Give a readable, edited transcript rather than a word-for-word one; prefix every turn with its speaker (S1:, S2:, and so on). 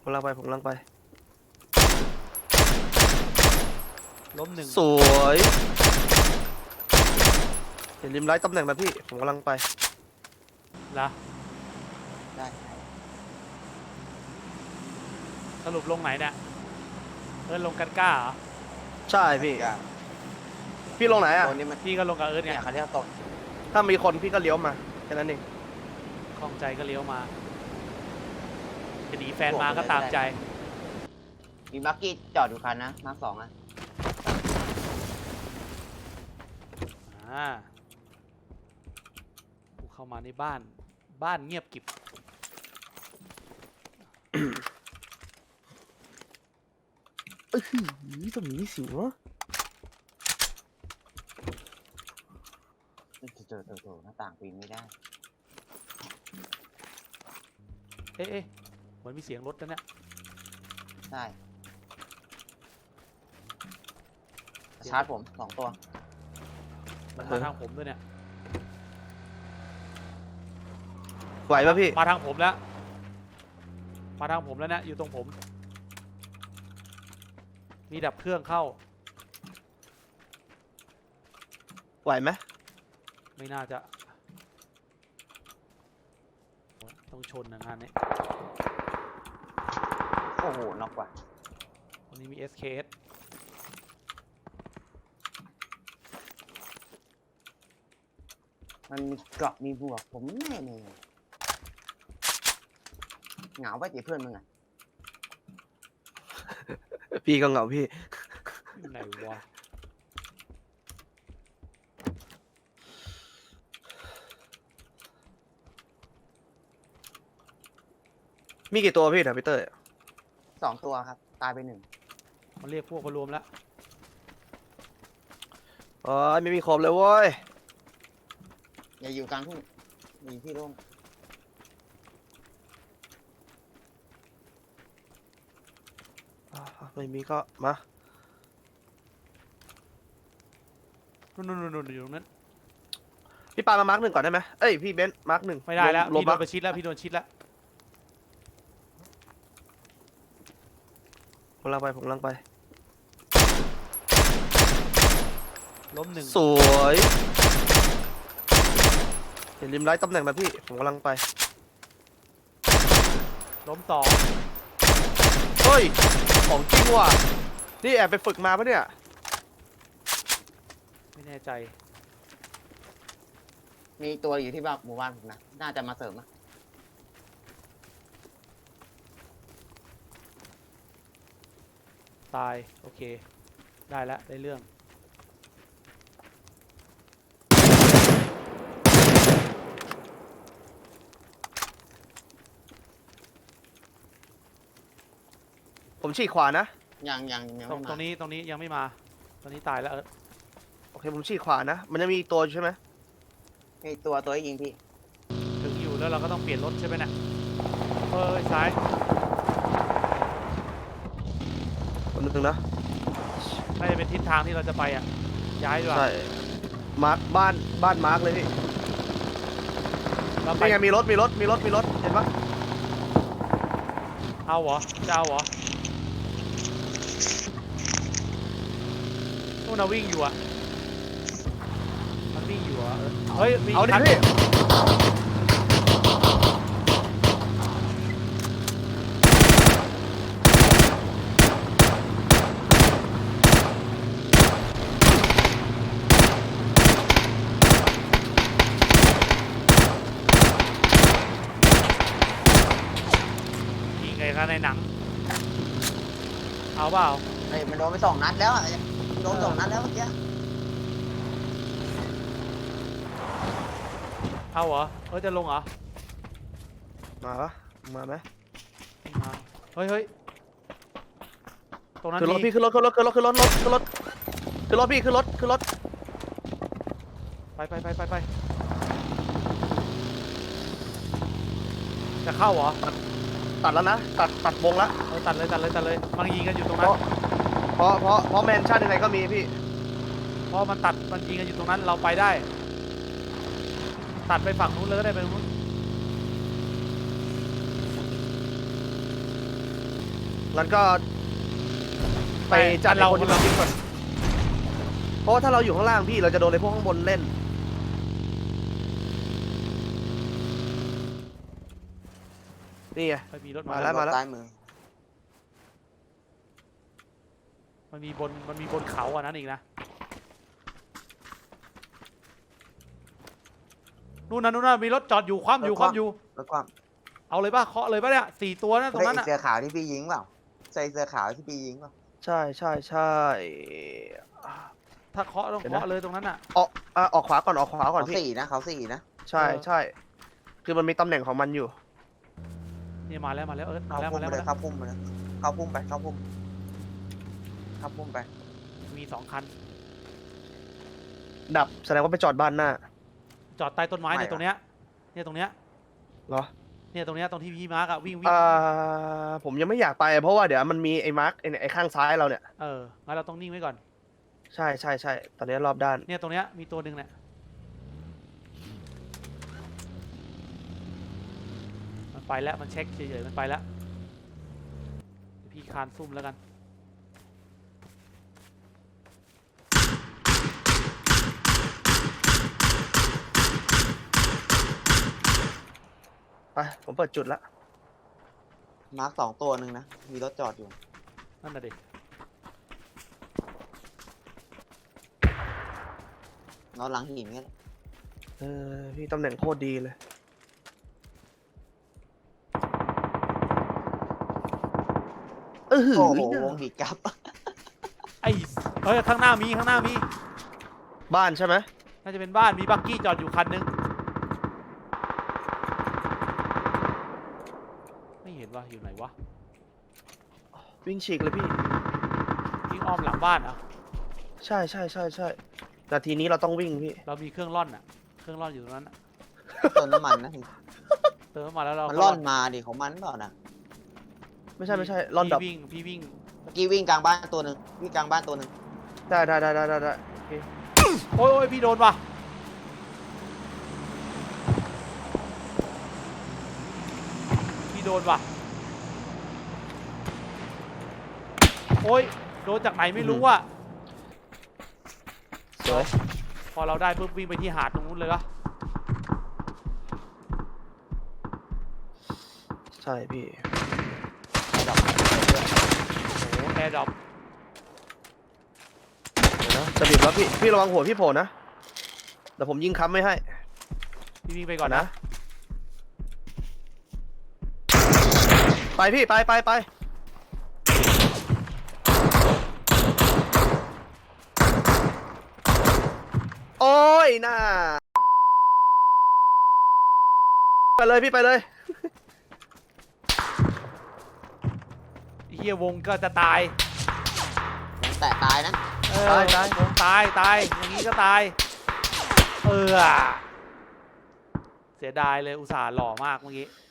S1: ผมกำลังไป
S2: ล้มหนึ่ง
S1: สวยเห็นริมไลท์ตำแหน่งนะพี่ผมกำลังไป
S2: ละ
S3: ได้
S2: สรุปลงไหนเนี่ยลงกันกล้าเหรอ
S1: ใช่พี่พี่ลงไหนอ่ะ
S3: ตัวนี้มัน
S2: พี่ก็ลงกับไง
S3: เนี่ยเขาเรียกตก
S1: ถ้ามีคนพี่ก็เลี้ยวมาแค่นั้นเอง
S2: คล่องใจก็เลี้ยวมาจะหนีแฟนมาก็ตามใจ
S3: มีมักกี้จอดอยู่คันนะมาร์ค2อ่ะ
S2: กูเข้ามาในบ้านเงียบกริบ
S1: ตรงนี้สิวะ
S3: เจอหน้าต่างปีนไม่ได้
S2: เอ๊ะเหมือนมีเสียงรถนะเนี่ย
S3: ใช่ชาร์จผม2 ตัว
S2: มันมาทางผมด้วยเนี่ย
S1: ไหวป่ะพี่
S2: มาทางผมแล้วเนี่ยอยู่ตรงผมมีดับเครื่องเข้า
S1: ไหวไหม
S2: ไม่น่าจะต้องชนนะงานนี้
S3: โอ้โหน็อกว่ะ
S2: วันนี้มี SKS
S3: มันมีกรอบมีบวกผมแน่เลยเหงาไปจีเพื่อนมึงอ่ะ
S1: พี่ก็เหงาพี่
S2: อยู่ไหนวะ
S1: มีกี่ตัวพี่นะพี่เต้ย
S3: 2 ตัวครับตายไป1
S2: มันเรียกพวกมารวมแล้ว
S1: อ๋อไม่มีครบเลยเว้ย
S3: อย่าอยู่กลางทุ่งมีที่โล่ง
S1: ไม่มีก็มา
S2: นู่นอยู่ตรงนั้น
S1: พี่ปามามาร์ก 1ก่อนได้ไหมเอ้ยพี่เบนซ์มาร์ก 1
S2: ไม่ได้แล้ว
S1: ล
S2: พี่
S1: บ
S2: โด
S1: มาร์
S2: นประชิดแล้วพี่โดนชิดแล้ว
S1: ผมกำลังไป
S2: ล้มหนึ่ง
S1: สวยเห็นริมไลท์ตำแหน่งนะพี่ผมกำลังไป
S2: ล้มสอง
S1: เฮ้ยของจริงว่ะนี่แอบไปฝึกมาปะเนี่ย
S2: ไม่แน่ใจ
S3: มีตัวอยู่ที่บ้านหมู่บ้านผมนะน่าจะมาเสริมอ่ะ
S2: ตายโอเคได้แล้วได้เรื่อง
S1: ผมฉีกขวานะ
S3: ยัง
S2: ตรง
S3: ไม่
S2: ตรง
S3: มา
S2: นี้ยังไม่มาตอนนี้ตายแล้ว
S1: โอเคผมฉีกขวานะมันจะมีอีกตัวอยู่ใช่ไหม
S3: มีตัวให้ยิงพี่
S2: ถึงอยู่แล้วเราก็ต้องเปลี่ยนรถใช่ไหมเนี่ยเฮ้ยซ้าย
S1: คนหนึ่งนะ
S2: น่าจะเป็นทิศทางที่เราจะไปอ่ะย้ายดีกว่า
S1: ใช่มาร์กบ้านมาร์กเลยพี่
S2: เราไป
S1: นี่ไงมีรถเห็นปะ
S2: เอาเหรอจะเอาเหรอนู่นน่ะวิ่งอยู่อ่ะมันวิ่งอยู่อ่ะเฮ้ยมี
S1: เอาดิ
S2: คัน
S1: พี่
S2: ยิงไงกันในหนังเอาเปล่า
S3: เฮ้ยมันโดนไป2 นัดแล้วอะโดน2 นัดแล้วเมื่อกี้
S2: เอาเหรอจะลงเหรอ
S1: มาปะมาไหม
S2: ไม่มาเฮ้ยตรงนั้น
S1: ขึ้นรถ
S2: มี
S1: พี่ขึ้นรถพี่ขึ้นรถ
S2: ไปจะเข้าเหรอ
S1: ตัดแล้วนะตัดวงละ
S2: ตัดเลยมันยิงกันอยู่ตรงนั้น
S1: เพราะแมนชั่นยังไงก็มีพี่
S2: เพราะมันยิงกันอยู่ตรงนั้นเราไปได้ ตัดไปฝั่งนู้นเลยก็ได้ไปตรงนู้น
S1: งั้นก็ไปจัดไอ้คนที่มันวิ่งก่อนเพราะว่าถ้าเราอยู่ข้างล่างพี่เราจะโดนไอ้พวกข้างบนเล่นนี่ไง
S2: ไปมีรถ
S1: มา
S2: มา
S1: แล้ว
S3: ซ้ายมือ
S2: มันมีบนเขาอ่ะนั่นอีกนะนู่นนะมีรถจอดอยู่คว่ำอยู่
S3: แล้วความ
S2: เอาเลยป่ะเคาะเลยป่ะเนี่ย4 ตัวนะตรงนั้น
S3: ไอ้
S2: อ่ะ
S3: เสื้อขาวที่พี่ยิงเปล่าใส่เสื้อขาวที่พี่ยิงเปล่า
S1: ใช่ใช่ใช่
S2: ถ้าเคาะต้อง
S1: เดี๋ยวนะ
S2: เคาะเลยตรงนั้นอ่ะ
S1: ออกออกขวาก่อนออกขวาก่อน
S3: เขา
S1: พี่
S3: สี่นะเขาสี่นะ
S1: ใช่ใช่คือมันมีตำแหน่งของมันอยู่
S2: นี่มาแล้วมาแล้ว
S3: เข้า
S2: มา
S3: พุ่ม
S2: แล้ว
S3: ไปเลยเข้าพุ่มไปเลยเข้าพุ่มไปเข้าพุ่มไป
S2: มี2 คัน
S1: ดับแสดงว่าไปจอดบ้านหน้า
S2: จอดใต้ต้นไม้เนี่ยตรงเนี้ยตรงเนี้ย
S1: เหรอ
S2: เนี่ยตรงเนี้ยตรงที่พี่มาร์กอะวิ่ง
S1: ผมยังไม่อยากไปเพราะว่าเดี๋ยวมันมีไอ้มาร์คไอ้ข้างซ้ายเราเนี่ย
S2: งั้นเราต้องนิ่งไว้ก่อน
S1: ใช่ใช่ใช่ตอนนี้รอบด้าน
S2: เนี่ยตรงเนี้ยมีตัวหนึ่งเนี่ยมันไปแล้วมันเช็คเฉยๆมันไปแล้วเดี๋ยวพี่คานซุ่มแล้วกัน
S1: ไปผมเปิดจุดละ
S3: มาร์คสองตัวหนึ่งนะมีรถจอดอยู่
S2: นั่นน่ะดิ
S3: นอนหลังหินเงี้ย
S1: พี่ตำแหน่งโคตรดีเลย
S3: โอ้โห
S1: นี่
S3: วงบีดกลับ
S2: ข้างหน้ามี
S1: บ้านใช่ไหม
S2: น่าจะเป็นบ้านมีบักกี้จอดอยู่คันนึงไม่เห็นว่าอยู่ไหนวะ
S1: วิ่งฉีกเลยพี่
S2: วิ่งอ้อมหลังบ้านเหรอ
S1: ใช่ใช่ใช่ใช่นาทีนี้เราต้องวิ่งพี่
S2: เรามีเครื่องร่อนเครื่องร่อนอยู่ตรงนั้น
S3: เติมน้ำมันนะ
S2: เติมเข้ามาแล้วเรา
S3: มัน
S2: ก็
S3: ร่อนมาดิของมันเปล่านะ
S1: ไม่ใช่ลอนดับ
S2: พี่วิ่ง
S3: เมื่อกี้วิ่งกลางบ้านตัวหนึ่งวิ่งกลางบ้านตัวหนึ่ง
S1: ได้
S2: โอ้ยพี่โดนว่ะโอ้ยโดนจากไหนไม่รู้อ่ะ
S1: สวย
S2: พอเราได้ปุ๊บวิ่งไปที่หาดตรงนู้นเลยวะ
S1: ใช่พี่
S2: โอ้โหแอร์ดรอป
S1: เดี๋ยวนะจะบีบแล้วพี่ระวังหัวพี่โผล่นะเดี๋ยวผมยิงค้ำไม่ให้
S2: พี่วิ่งไปก่อนนะ
S1: ไปพี่ไปโอ้ยน่าไปเลยพี่ไปเลย
S2: เฮียวงก็จะตาย
S3: แต่ตายนะ
S1: ตาย
S2: วงตายอย่างนี้ก็ตายเสียดายเลยอุตส่าห์หล่อมากเมื่อกี้